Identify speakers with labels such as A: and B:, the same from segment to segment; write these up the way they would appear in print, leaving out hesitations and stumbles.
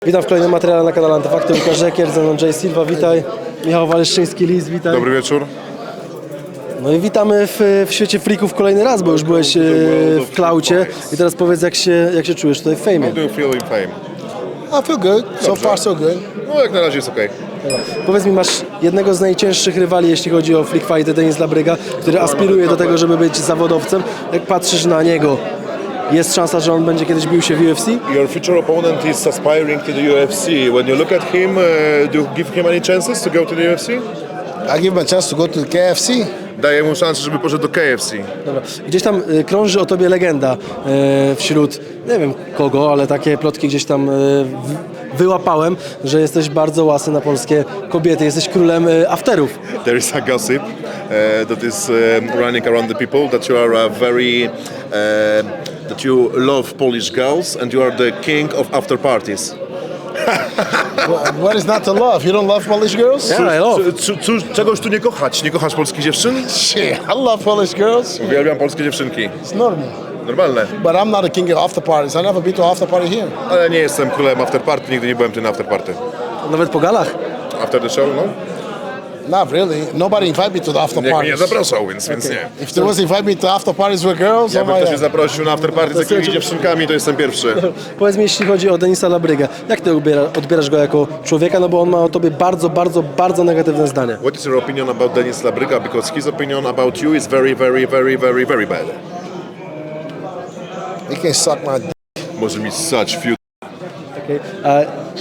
A: Witam w kolejnym materiale na kanale Antyfakty. Łukasz Rzekier, ze mną Jay Silva, witaj. Michał Waleszczyński-Lis, witaj.
B: Dobry wieczór.
A: No i witamy w świecie freaków kolejny raz, bo już byłeś w Klaucie. I teraz powiedz, jak się czujesz tutaj w
B: How
A: fejmie.
B: do you feel in fame?
C: I feel good. So far, so good.
B: No jak na razie jest okej.
A: Powiedz mi, masz jednego z najcięższych rywali, jeśli chodzi o freak fighty, Denis Labryga, który aspiruje do tego, żeby być zawodowcem. Jak patrzysz na niego, jest szansa, że on będzie kiedyś bił się w UFC?
B: Your future opponent is aspiring to the UFC. When you look at him, do you give him any chances to go to the UFC?
C: I give him a chance to go to the KFC.
B: Daję mu szansę, żeby poszedł do KFC.
A: Dobra. Gdzieś tam krąży o tobie legenda wśród, nie wiem kogo, ale takie plotki gdzieś tam wyłapałem, że jesteś bardzo łasy na polskie kobiety, jesteś królem afterów.
B: There is a gossip that is running around the people that you are that you love Polish girls and you are the king of after parties.
C: What is not to love? You don't love Polish girls?
A: Yeah, I love.
B: Czegoś tu nie kochać? Nie kochasz polskich dziewczyn?
C: Shit, I love Polish girls.
B: Uwielbiam polskie dziewczynki.
C: It's normal.
B: Normalne.
C: But I'm not a king of after parties. I never been to after party here.
B: Ale nie jestem królem after party, nigdy nie byłem tu na after party.
A: Nawet po galach.
B: After the show, no?
C: Not really. Nobody invite me to the after
B: Nikt mnie nie
C: parties.
B: zapraszał, więc nie.
C: If there was invite me to after parties with girls,
B: Jakby
C: oh my
B: ktoś mnie
C: God.
B: zaprosił na after party z jakimiś dziewczynkami, to jestem pierwszy.
A: Powiedz mi, jeśli chodzi o Denisa Labrygę, jak ty odbierasz go jako człowieka, no bo on ma o tobie bardzo negatywne zdanie.
B: What is your opinion about Denis Labryga? Because his opinion about you is very bad.
C: He can suck my dick.
B: Może mi ssać fiut.
A: Okay. A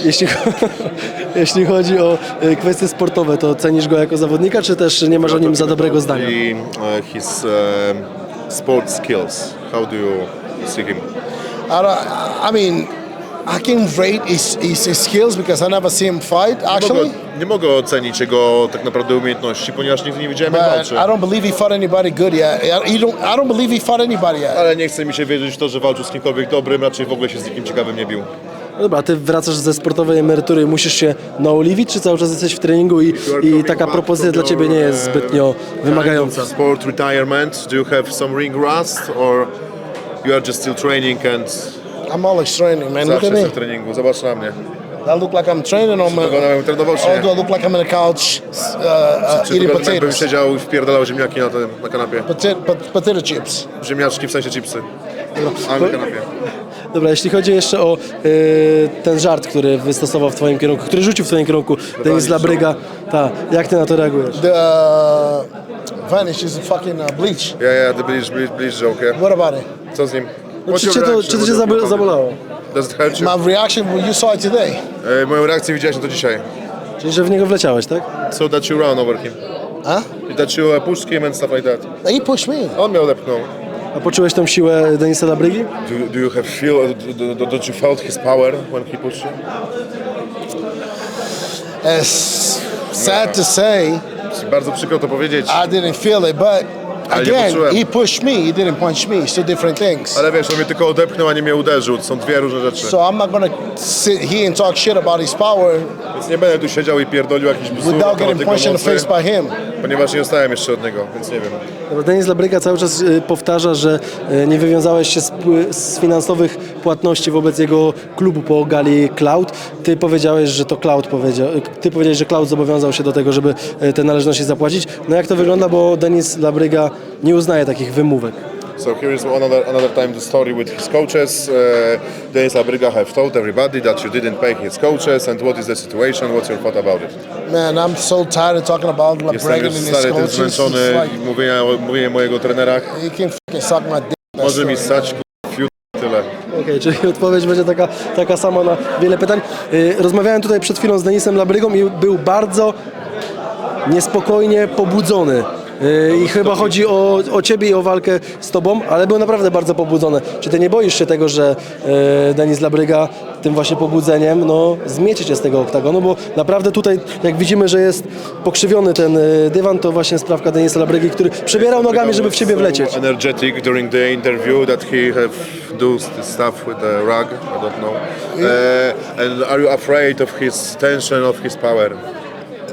A: jeśli chodzi o kwestie sportowe, to cenisz go jako zawodnika, czy też nie masz o nim za dobrego zdania?
B: His sport skills. How do you see him?
C: I mean, I can rate his skills because I never see him fight, actually.
B: Nie mogę ocenić jego tak naprawdę umiejętności, ponieważ nigdy nie widziałem jak
C: But
B: walczy.
C: I don't believe he fought anybody good yet. I don't believe he fought anybody yet.
B: Ale nie chce mi się wierzyć w to, że walczył z kimkolwiek dobrym, raczej w ogóle się z nikim ciekawym nie bił.
A: No dobra, ty wracasz ze sportowej emerytury i musisz się naoliwić, czy cały czas jesteś w treningu i taka propozycja dla ciebie nie jest zbytnio wymagająca?
B: Sport retirement, do you have some ring rust or you are just still training and
C: I'm always training, man. Look
B: zawsze
C: at me.
B: jestem w treningu? Zobacz na mnie.
C: I look like I'm training on my.
B: Wyglądam jakbym trenował czy
C: Or
B: nie?
C: do I look like I'm on the couch
B: Czy
C: eating
B: wyglądam jakbym
C: potatoes?
B: siedział i wpierdalał ziemniaki na kanapie?
C: Potato chips.
B: Ziemniaczki w sensie chipsy. A na kanapie.
A: Dobra, jeśli chodzi jeszcze o ten żart, który wystosował w twoim kierunku, który rzucił w twoim kierunku Denis Labryga, jak ty na to reagujesz?
C: The Vanish is fucking bleach.
B: Yeah, the bleach joke, yeah.
C: What about it?
B: Co z nim?
A: No,
B: What's
A: czy
B: your
A: cię
B: reaction?
A: to cię zabolało?
B: Does it hurt you?
C: My reaction when you saw it today.
B: Moją reakcję widziałeś na to dzisiaj.
A: Czyli, że w niego wleciałeś, tak?
B: So that you run over him.
C: Huh?
B: That you pushed him and stuff like that.
C: He pushed me.
B: On mnie odepchnął.
A: A poczułeś tą siłę Denisa Labrygi?
B: Do you have don't you felt his power when he pushed you?
C: It's sad to say
B: Bardzo przykro to powiedzieć,
C: I didn't feel it, but
B: Ale nie
C: again,
B: poczułem.
C: he pushed me. He didn't punch me. It's two different things.
B: ale wiesz, on mnie tylko odepchnął, a nie mnie uderzył. To są dwie różne rzeczy.
C: So I'm not gonna sit here and talk shit about his power
B: Więc nie będę tu siedział i pierdolił jakiś bzdur na
C: without
B: temat
C: getting
B: jego
C: punched in the
B: mocy,
C: face by him.
B: ponieważ nie dostałem jeszcze od niego, więc nie wiem.
A: Dobra, Denis Labryga cały czas powtarza, że nie wywiązałeś się z finansowych płatności wobec jego klubu po gali Cloud. Ty powiedziałeś, że to Cloud Ty powiedziałeś, że Cloud zobowiązał się do tego, żeby te należności zapłacić. No jak to wygląda, bo Denis Labryga nie uznaje takich wymówek.
B: So here is another time the story with his coaches. Denis Labryga have told everybody that you didn't pay his coaches and what is the situation, what's your thought about it?
C: Man, I'm so tired of talking about
B: Jestem
C: LeBregan
B: już
C: and his
B: stary, tym
C: coaches.
B: zmęczony
C: It's like,
B: mówienie mojego trenera.
C: he can fucking suck my dick. That's
B: Może mi
C: it.
B: ssać fiut, tyle.
A: Okej, czyli odpowiedź będzie taka sama na wiele pytań. Rozmawiałem tutaj przed chwilą z Denisem Labrygą i był bardzo niespokojnie pobudzony. I chyba chodzi o ciebie i o walkę z tobą, ale był naprawdę bardzo pobudzony. Czy ty nie boisz się tego, że Denis Labryga tym właśnie pobudzeniem zmiecie cię z tego oktagonu, bo naprawdę tutaj jak widzimy, że jest pokrzywiony ten dywan, to właśnie sprawka Denisa Labrygi, który przebierał nogami, żeby w ciebie wlecieć.
B: Energetic during the interview that he have do this stuff with the rug, I don't know. And are you afraid of his tension, of his power?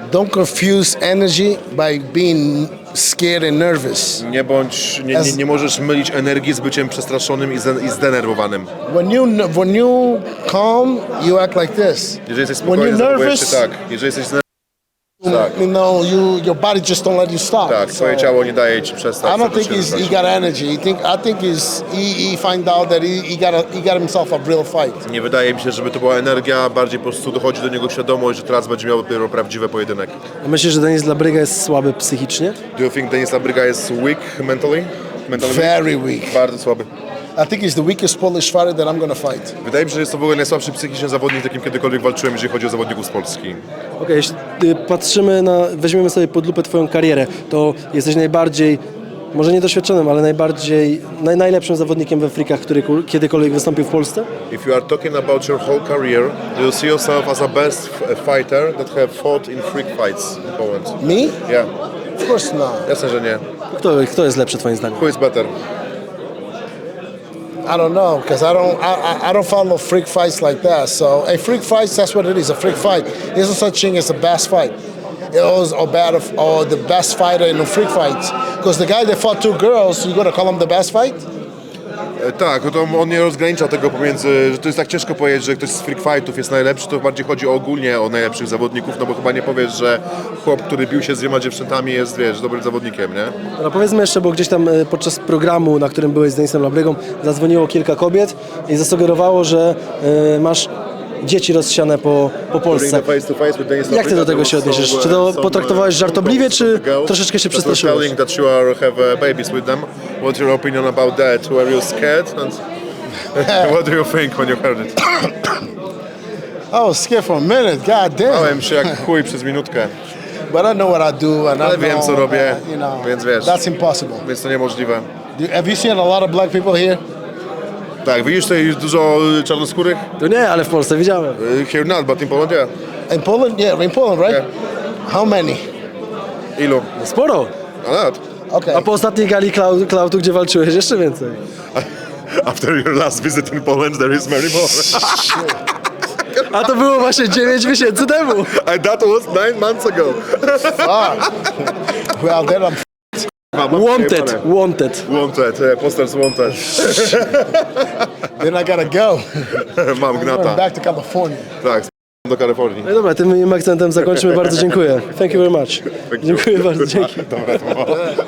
C: don't confuse energy by being scared and nervous.
B: Nie możesz mylić energii z byciem przestraszonym i zdenerwowanym.
C: When you calm, you act like this.
B: Jeżeli jesteś
C: When
B: spokojny,
C: you're
B: zachowujesz się
C: nervous,
B: tak. Jeżeli jesteś tak.
C: you know, your body just don't let you stop.
B: Tak, twoje ciało nie daje ci przestać.
C: I don't think he got energy. I think he find out that he got himself a real fight.
B: Nie wydaje mi się, żeby to była energia, bardziej po prostu dochodzi do niego świadomość, że teraz będzie miał dopiero prawdziwy pojedynek.
A: A myślisz, że Denis Labryga jest słaby psychicznie?
B: Do you think Denis Labryga is weak mentally?
C: Very weak.
B: Bardzo słaby.
C: I think he's the weakest Polish fighter that I'm gonna fight.
B: Wydaje mi się, że jest to w ogóle najsłabszy psychicznie zawodnik, z jakim kiedykolwiek walczyłem, jeżeli chodzi o zawodników z Polski.
A: Okej, jeśli patrzymy weźmiemy sobie pod lupę twoją karierę, to jesteś najbardziej, może niedoświadczonym, ale najlepszym zawodnikiem we freakach, który kiedykolwiek wystąpił w Polsce?
B: If you are talking about your whole career, do you see yourself as a best fighter that have fought in freak fights in Poland?
C: Me?
B: Yeah.
C: Of course not.
B: Jasne, że nie.
A: Kto jest lepszy twoim zdaniem?
B: Who is better?
C: I don't know because I don't follow freak fights like that. So a freak fight, that's what it is. A freak fight. There's no such thing as a best fight. It was or the best fighter in the freak fights. Because the guy that fought two girls, you gonna call him the best fight?
B: Tak, no to on nie rozgranicza tego pomiędzy, że to jest tak ciężko powiedzieć, że ktoś z freak fightów jest najlepszy, to bardziej chodzi ogólnie o najlepszych zawodników, no bo chyba nie powiesz, że chłop, który bił się z 2 dziewczętami jest, wiesz, dobrym zawodnikiem, nie?
A: No powiedzmy jeszcze, bo gdzieś tam podczas programu, na którym byłeś z Denisem Labrygą, zadzwoniło kilka kobiet i zasugerowało, że masz dzieci rozsiane po Polsce. Jak ty do tego się odniesiesz? Czy to potraktowałeś żartobliwie, czy troszeczkę się przestraszyłeś?
B: Telling that you have babies with them. What's your opinion about that? Were you scared? And what do you think when you heard it?
C: I was scared for a minute. God damn.
B: Bałem się jak chuj przez minutkę,
C: But I know what I do, and
B: ale
C: I
B: wiem
C: know,
B: co robię,
C: you know,
B: więc wiesz,
C: that's impossible.
B: więc to niemożliwe.
C: Have you seen a lot of black people here?
B: Tak, widzisz tutaj dużo czarnoskórych?
A: To nie, ale w Polsce widziałem.
B: Here not, but in Poland, yeah.
C: In Poland? Yeah, in Poland, right?
B: Yeah.
C: How many?
B: Ilu?
A: Sporo.
B: A lat.
C: Okay.
A: A po ostatniej gali Klautu, gdzie walczyłeś, jeszcze więcej.
B: After your last visit in Poland, there is many more.
A: A to było właśnie 9 miesięcy temu.
B: And that was 9 months ago.
C: Fuck. Well, then I'm
A: Wanted.
B: Wanted, posters wanted.
C: then I gotta go.
B: Mam
C: I'm
B: gnata.
C: back to California.
B: Tak, do Kalifornii.
A: No i dobra, tym akcentem zakończymy. Bardzo dziękuję. Thank you very much. Dziękuję bardzo, dzięki.
B: Dobra, to było.